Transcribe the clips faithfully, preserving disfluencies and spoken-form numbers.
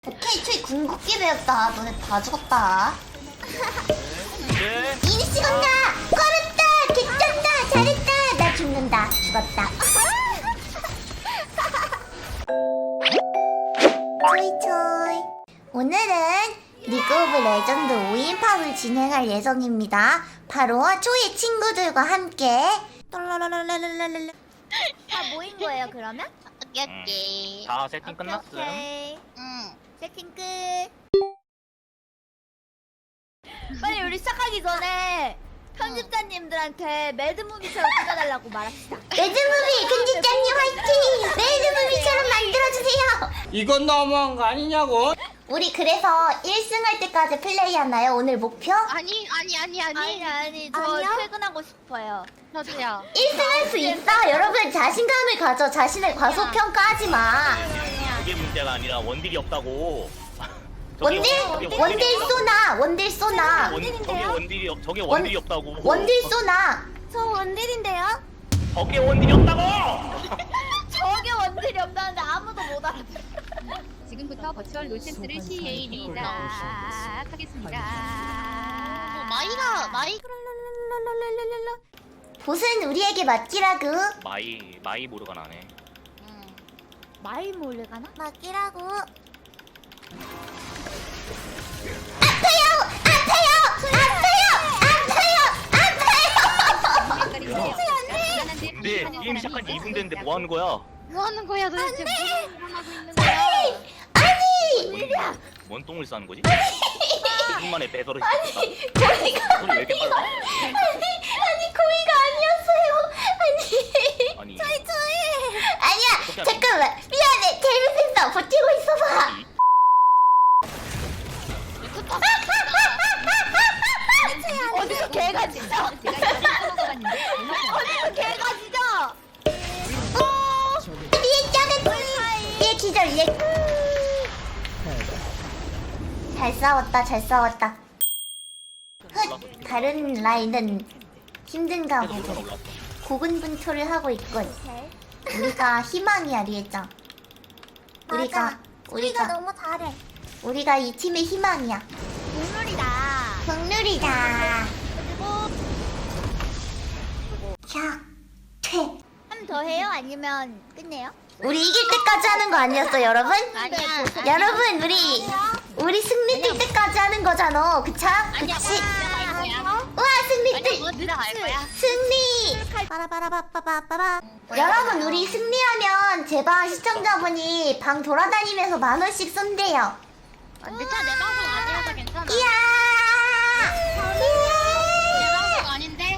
오케이, 초이 궁극기 배웠다. 너네 다 죽었다. 네. 이니씨 간다! 걸었다! 개쩐다! 잘했다! 나 죽는다. 죽었다. 초이 초이. 오늘은 리그 오브 레전드 오 인팝을 진행할 예정입니다. 바로 초이의 친구들과 함께 똘라라라라라라라. 다 모인 거예요, 그러면? 오케이. 다 세팅 끝났음. 오케이. 응. 세팅 끝. 빨리 우리 시작하기 전에 편집자님들한테 매드무비처럼 찍어달라고 말합시다. 매드무비 편집자님 화이팅! 매드무비처럼 만들어주세요. 이건 너무한 거 아니냐고? 우리 그래서 일 승 할 때까지 플레이하나요? 오늘 목표? 아니 아니 아니 아니 아니, 아니 저 아니요? 퇴근하고 싶어요. 저도요. 일 승 할 수 있어. 여러분 자신감을 가져. 자신을 과소평가하지 마. 그게 문제가 아니라 원딜이 없다고. 저게 원딜? 원- 저게 원딜 원딜이 쏘나. 원딜 쏘나. 원- 저게 원딜이 없- 저게 원- 원딜이 없다고. 원딜 쏘나. 저 원딜인데요? 저게 원딜이 없다고. 저게 원딜이 없다는데 아무도 못 알아들어. 지금부터 버추얼 로센스를 시작하겠습니다. 마이가 마이 보스는 우리에게 맡기라고. 마이 마이 모르가 나네. 마이 몰래 가나? 맡기라고. 아파요! 아파요! 아파요! 아파요! 아파요! 근데 게임 시작한 지 이 분 됐는데 뭐 하는 거야? 뭐 하는 거야 도대체? 무슨 하고 있는 거야? 아니! 뭔 똥을 싸는 거지? 이 분 만에 배설을 시켰다. 고의가 소리 왜 이렇게 빨라? 아니 아니 고의가 아니었어요. 아니 아니. 아니야 잠깐만 미안해 잘못했어. 버티고 있어봐. 이- 어디서 개가 짖어? 어디서 개가 짖어? 얘 작은 얘 기절 얘. 잘 싸웠다 잘 싸웠다. 흑 다른 라인은 힘든가 계속 보고 올라왔어. 고군분투를 하고 있군. 우리가 희망이야 리에짱. 우리가 우리가 너무 잘해. 우리가 이 팀의 희망이야. 국룰이다. 국룰이다. 자, 퇴. 한 더 해요? 아니면 끝내요? 우리 이길 때까지 하는 거 아니었어, 여러분? 아니야. 여러분, 우리 우리 승리 뜰 때까지 하는 거잖아, 그차? 그치? 우와, 승리 뜰. 들어갈 거야? 승리. 빠라바라바빠바빠바. 여러분, 우리 승리하면 제발 시청자분이 방 돌아다니면서 만 원씩 쏜대요. 근데 차 내 방송 아니라서 괜찮아. 이야. 내 방송 아닌데?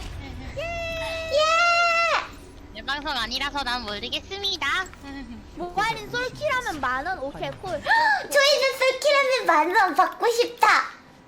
이야. 내 방송 아니라서 난 모르겠습니다. 모바일인 솔킬하면 만 원? 오케이 콜. 저희는 솔킬하면 만 원 받고 싶다.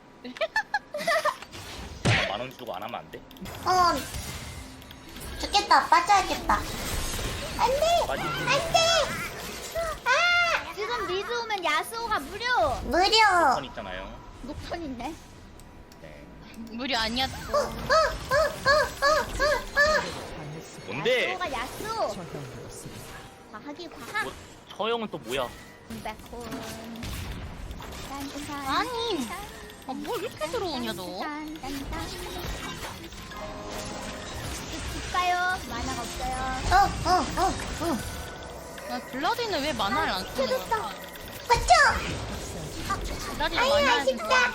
만 원 주고 안 하면 안 돼? 어. 좋겠다. 빠져야겠다. 안 돼. 빠지. 안 돼. 아. 지금 리즈 오면 야스오가 무료. 무료. 선 있잖아요. 녹턴 있네. 네. 무료 아니었어. 어, 어, 어, 어, 어, 어. 뭔데? 야스오가 야스오. 과학이 과학. 뭐, 처형은 또 뭐야? 백혼. 아니. 아, 뭘 이렇게 들어오냐 너? 줄까요? 만화가 없어요. 어, 어, 어, 어. 아, 블라디는 왜 만화를 안 쓰는 켜졌어. 거야? 맞죠? 블라디는 아유, 만화를 아쉽다.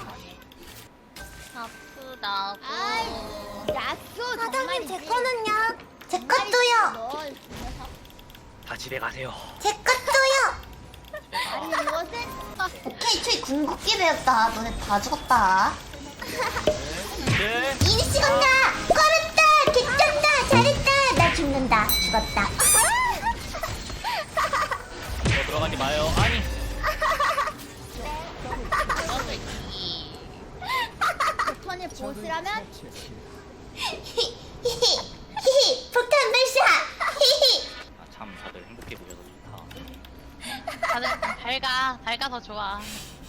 아프다고. 야수 사장님, 제 거는요? 제 것도요. 다 집에 가세요. 제 것도요. 아니 이것은 오케이, 초이 궁극기 배웠다. 너네 다 죽었다. 네. 이니씨 간다. 걸었다. 개쩐다. 잘했다. 나 죽는다. 죽었다. 저 들어가지 마요. 아니. 턴의 보스라면 히히, 히히, 폭탄 발사. 히히. 아, 참 다들 행복해 보여서 좋다. 다들 밝아 밝아서 좋아.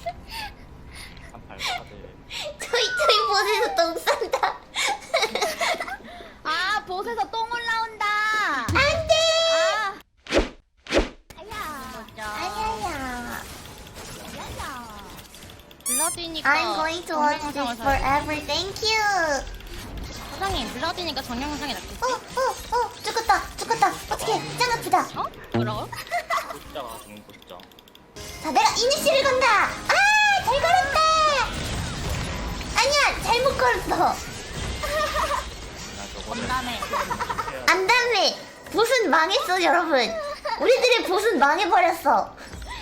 참 밝아 다들. 초이, 초이 보스에서 똥 싼다. 아 보스에서 똥 올라온다. 안 돼. 아. 아야. 아야야. 아야. 블러드니까. I'm going to watch this forever. Thank you. 사장님 블러드니까 정령 영상이 낫겠지? 어, 어, 어, 죽었다, 죽었다. 어떡해, 짱 아프다. 어? 뭐라고? 진짜가 죽는 거 진짜. 자, 내가 이니시를 건다. 아, 잘 걸었다. 아니야, 잘못 걸었어. 나 저거는 건담에. 안 다음에 보스는 망했어, 여러분. 우리들의 보스는 망해버렸어.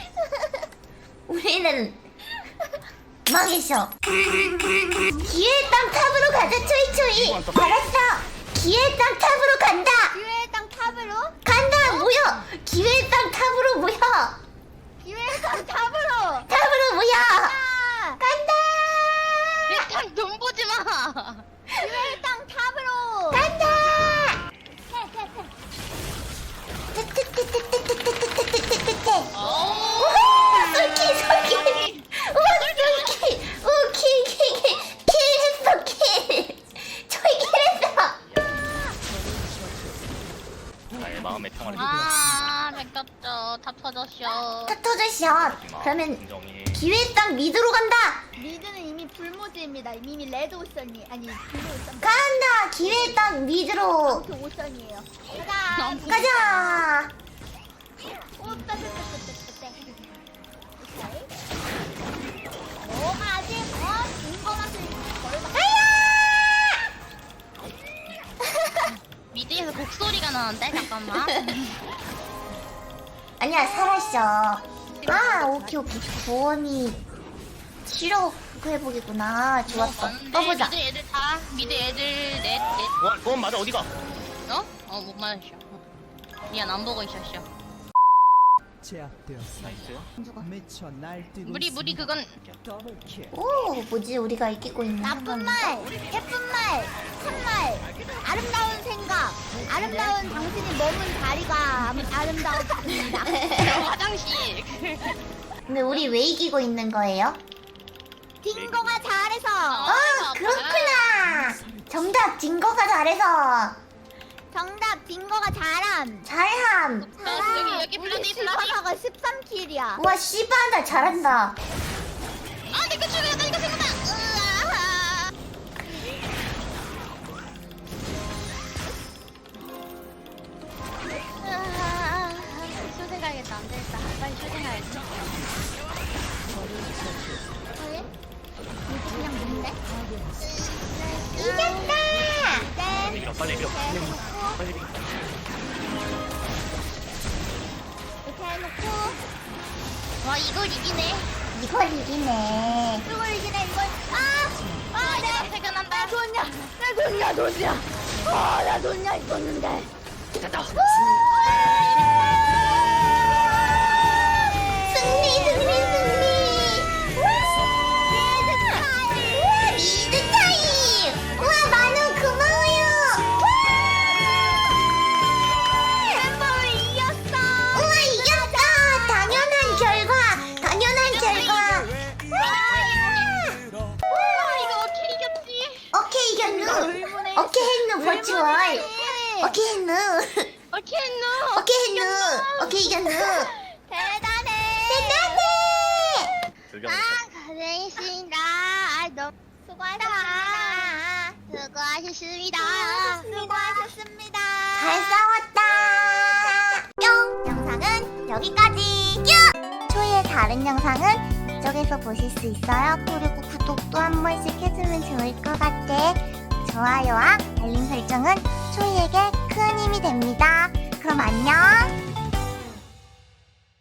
우리는 망했어. 기회의 땅 탑으로 가자, 초이초이. 알았어. 기회의 땅 탑으로 간다. 기회의 땅 탑으로? 간다, 모여. 기회의 땅 탑으로 모여. 기회의 땅 탑으로! 탑으로 모여. 아! 간다. 일단 돈 보지 마! 기회의 땅 탑으로! 간다. 어. 우와, 솔키, 솔키. 우와, 솔키. 오, 킬, 킬, 킬. 킬 했어, 킬. 저희 킬 했어. 나의 마음의 평화를 아, 뺏겼죠. 다 터졌쇼. 타토저샷. 그러면 진정이 기회 땅 미드로 간다. 미드는 이미 불모드입니다. 이미 레드 오션이 아니 블루 오션 간다. 기회 땅 미드로 그 오션이에요. 가자. 가자. 오 따뜻따뜻따뜻. 오 아직 어 인거나서 걸다. 미드에서 곡소리가 나는데? 잠깐만. 아니야, 살았어. 아, 오케이, 오케이. 구원이 치료 회복이구나. 좋았어. 많은데 떠보자. 미드 애들 다 미드 애들 넷 넷. 그건, 그건 맞아 어디가? 어? 어, 못 맞았어. 미안, 안 보고 있었어. 제압되었어. 나이스. 미쳐 날뛰고 무리 무리 있습니다. 그건 더블킬. 오, 뭐지? 우리가 이기고 있는 나쁜 상황인가? 말, 예쁜 말, 참말, 아름다운 생각, 아름다운 당신이 머문 다리가 아름- 아름다웠습니다. 화장실. 근데 우리 왜 이기고 있는 거예요? 딩거가 잘해서 아, 아이고, 그렇구나. 정답, 딩거가 잘해서. 정답 딩거가 잘함. 잘함. 아, 여기 여기 우리 블라디 블라디. 실바사가 십삼 킬이야. 우와, 씨바다 잘한다. 아, 내거 죽여. 나 이거 생각나. 으아. 으아. 쇼생 가야겠다. 안 되겠다. 빨리 쇼생 가야겠다. 왜? 이거 그냥 먹는데? 이겼다. 네. 밀어 빨리 밀어. 해놓고 빨리 밀어. 이렇게 해놓고 와, 이걸 이기네. 이걸 이기네. 이걸 이기네 이걸. 아! 아 내가 퇴근한다. 내 돈이야 내 돈이야 돈이야. 아나 돈이야 있었는데. 승리, 승리, 승리. 우와, 리드 타임. 우와, 만우 고마워요. 멤버를 이겼어. 우와, 이겼다. 당연한 결과. 당연한 결과. 아, 이거 어떻게 이겼지? 오케이, 이겼누. 오케이, 했누, 버추얼. 오케이, 했누. 어떻게 했노? 오케이, 했누. 오케이, 이겼누. 대단해. 대단해. 불경. 고생했습니다. 아, 너무 수고하셨습니다. 수고하셨습니다. 수고하셨습니다. 잘 싸웠다. 뿅. 영상은 여기까지. 뿅. 초이의 다른 영상은 이쪽에서 보실 수 있어요. 그리고 구독도 한 번씩 해주면 좋을 것 같아. 좋아요와 알림 설정은 초이에게 큰 힘이 됩니다. 그럼 안녕.